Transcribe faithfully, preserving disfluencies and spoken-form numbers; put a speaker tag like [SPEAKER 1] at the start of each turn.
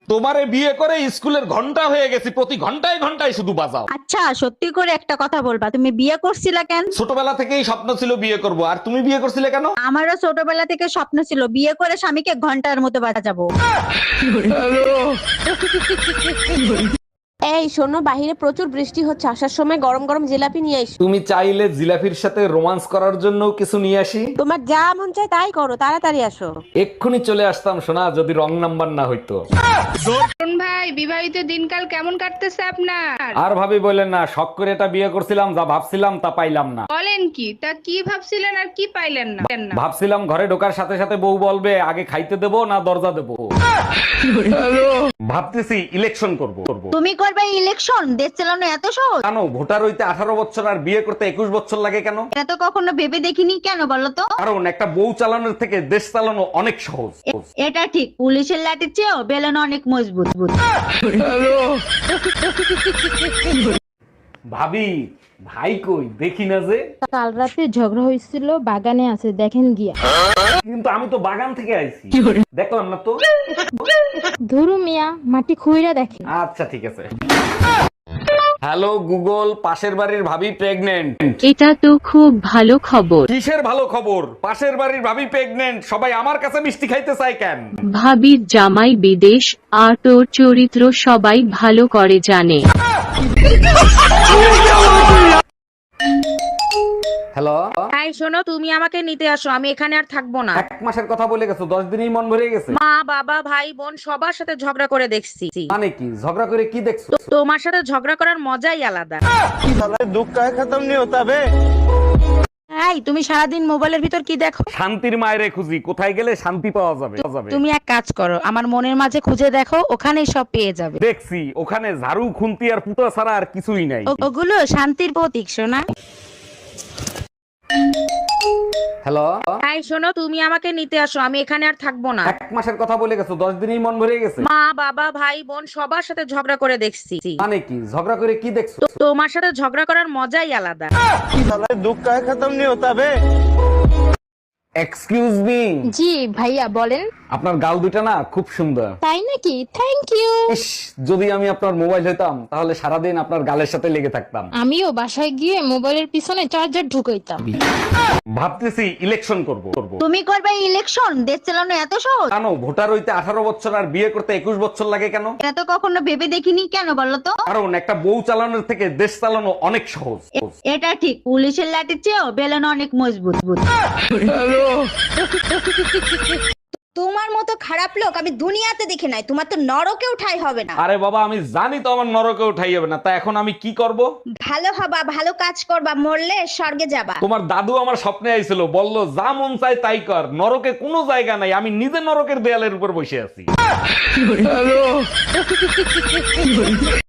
[SPEAKER 1] তোমারে বিয়ে করে স্কুলের ঘন্টা হয়ে গেছি, প্রতি ঘন্টায় ঘন্টায় শুধু বাজাও।
[SPEAKER 2] আচ্ছা সত্যি করে একটা কথা বলবা, তুমি বিয়ে করছিলা কেন?
[SPEAKER 1] ছোটবেলা থেকেই স্বপ্ন ছিল বিয়ে করব, আর তুমি বিয়ে করছিলে কেন?
[SPEAKER 2] আমারও ছোটবেলা থেকে স্বপ্ন ছিল বিয়ে করে স্বামীকে ঘন্টার মতো বাজাবো।
[SPEAKER 3] এই শোনো, বাহিরে প্রচুর বৃষ্টি হচ্ছে, আসার সময় গরম গরম জিলাপি নিয়ে এসো।
[SPEAKER 1] তুমি চাইলে জিলাফির সাথে রোমান্স করার জন্য কিছু নিয়ে আসি।
[SPEAKER 3] তোমার যা মন চায় তাই করো, তাড়াতাড়ি আসো।
[SPEAKER 1] এক্ষুনি চলে আসতাম সোনা, যদি রং নাম্বার না হইতো।
[SPEAKER 4] অরুণ ভাই, বিবাহিত দিনকাল কেমন কাটতেছে আপনার?
[SPEAKER 1] আর ভাবি বললেন না, শখ করে এটা বিয়ে করছিলাম, যা ভাবছিলাম তা পাইলাম না।
[SPEAKER 4] বলেন কি, তা কি ভাবছিলেন আর কি পাইলেন না?
[SPEAKER 1] ভাবছিলাম ঘরে ঢোকার সাথে সাথে বউ বলবে আগে খাইতে দেবো না দরজা দেবো। ভাবতেছি ইলেকশন করব করব
[SPEAKER 2] তুমি করবে ইলেকশন? দেশ চালানো এত সহজ?
[SPEAKER 1] কেন? ভোটার হইতে আঠারো বছর আর বিয়ে করতে একুশ বছর লাগে কেন?
[SPEAKER 2] এটা তো কখনো ভেবে দেখিনি, কেন বলো তো?
[SPEAKER 1] কারণ একটা বউ চালানোর থেকে দেশ চালানো অনেক সহজ।
[SPEAKER 2] এটা ঠিক, পুলিশের লাঠির চেয়েও বেলন অনেক মজবুত।
[SPEAKER 1] ভাবি, ভাই কই দেখি না যে।
[SPEAKER 5] কাল রাতে ঝগড়া হয়েছিল, বাগানে আছে, দেখেন গিয়া।
[SPEAKER 1] কিন্তু আমি তো বাগান থেকে আইছি, দেখলাম না তো।
[SPEAKER 5] ধরু মিয়া, মাটি খুইরা দেখেন।
[SPEAKER 1] আচ্ছা ঠিক আছে। হ্যালো গুগল, পাশের বাড়ির ভাবি প্রেগনেন্ট।
[SPEAKER 6] এটা তো খুব ভালো খবর।
[SPEAKER 1] কিসের ভালো খবর? পাশের বাড়ির ভাবি প্রেগনেন্ট, সবাই আমার কাছে মিষ্টি খাইতে চায় কেন?
[SPEAKER 6] ভাবির জামাই বিদেশ, আর তোর চরিত্র সবাই ভালো করে জানে।
[SPEAKER 1] হ্যালো,
[SPEAKER 7] তাই শোনো, তুমি আমাকে নিতে আসো, আমি এখানে আর থাকবো না।
[SPEAKER 1] এক মাসের কথা বলে গেছো, দশ দিনেই মন ভরে গেছে।
[SPEAKER 7] মা বাবা ভাই বোন সবার সাথে ঝগড়া করে দেখছি।
[SPEAKER 1] মানে কি ঝগড়া করে কি দেখছো?
[SPEAKER 7] তোমার সাথে ঝগড়া করার মজাই আলাদা। এই তুমি সারাদিন মোবাইলের ভিতর কি দেখো?
[SPEAKER 1] শান্তির মায়েরে খুঁজি, কোথায় গেলে শান্তি পাওয়া যাবে।
[SPEAKER 7] তুমি এক কাজ করো, আমার মনের মাঝে খুঁজে দেখো, ওখানেই সব পেয়ে যাবে।
[SPEAKER 1] দেখছি ওখানে ঝাড়ু খুন্তি আর পুতা ছাড়া আর কিছুই নাই।
[SPEAKER 7] ও- ওগুলো শান্তির প্রতীক সোনা।
[SPEAKER 1] হ্যালো,
[SPEAKER 7] তাই শোনো, তুমি আমাকে নিতে আসো, আমি এখানে আর থাকবো না।
[SPEAKER 1] এক মাসের কথা বলে গেছো, দশ দিনেই মন ভরে গেছে।
[SPEAKER 7] মা বাবা ভাই বোন সবার সাথে ঝগড়া করে দেখছি।
[SPEAKER 1] মানে কি ঝগড়া করে কি দেখছো?
[SPEAKER 7] তোমার সাথে ঝগড়া করার মজাই আলাদা।
[SPEAKER 1] এক্সকিউজ মি,
[SPEAKER 5] জি ভাইয়া বলেন।
[SPEAKER 1] আপনার গাল দুটা না খুব সুন্দর।
[SPEAKER 5] তাই নাকি? Thank you.
[SPEAKER 1] ইস, যদি আমি আপনার মোবাইল হইতাম তাহলে সারাদিন আপনার গালের সাথে লেগে থাকতাম।
[SPEAKER 5] আমিও বাসায় গিয়ে মোবাইলের পিছনে চার্জার ঢুকাইতাম।
[SPEAKER 1] ভাবতেছি ইলেকশন করব করব
[SPEAKER 2] তুমি করবে ইলেকশন? দেশ চালানো এত সহজ?
[SPEAKER 1] কেন? ভোটার হইতে আঠারো বছর আর বিয়ে করতে একুশ বছর লাগে কেন?
[SPEAKER 2] এটা তো কখনো ভেবে দেখিনি, কেন বলো তো?
[SPEAKER 1] কারণ একটা বউ চালানোর থেকে দেশ চালানো অনেক সহজ।
[SPEAKER 2] এটা ঠিক, পুলিশের লাঠির চেয়েও বেলন অনেক মজবুত।
[SPEAKER 8] তোমার মতো খারাপ লোক আমি দুনিয়াতে দেখি নাই, তোমার তো নরকেও ঠাঁই হবে না।
[SPEAKER 1] আরে বাবা, আমি জানি তো আমার নরকে উঠাই যাবে না, তা এখন আমি কি করব?
[SPEAKER 8] ভালো হবা, ভালো কাজ করবা, মরলে স্বর্গে যাবা।
[SPEAKER 1] তোমার দাদু আমার স্বপ্নে আইছিল, বলল যা মন চায় তাই কর, নরকে কোনো জায়গা নাই, আমি নিজে নরকের দেয়ালের উপর বসে আছি।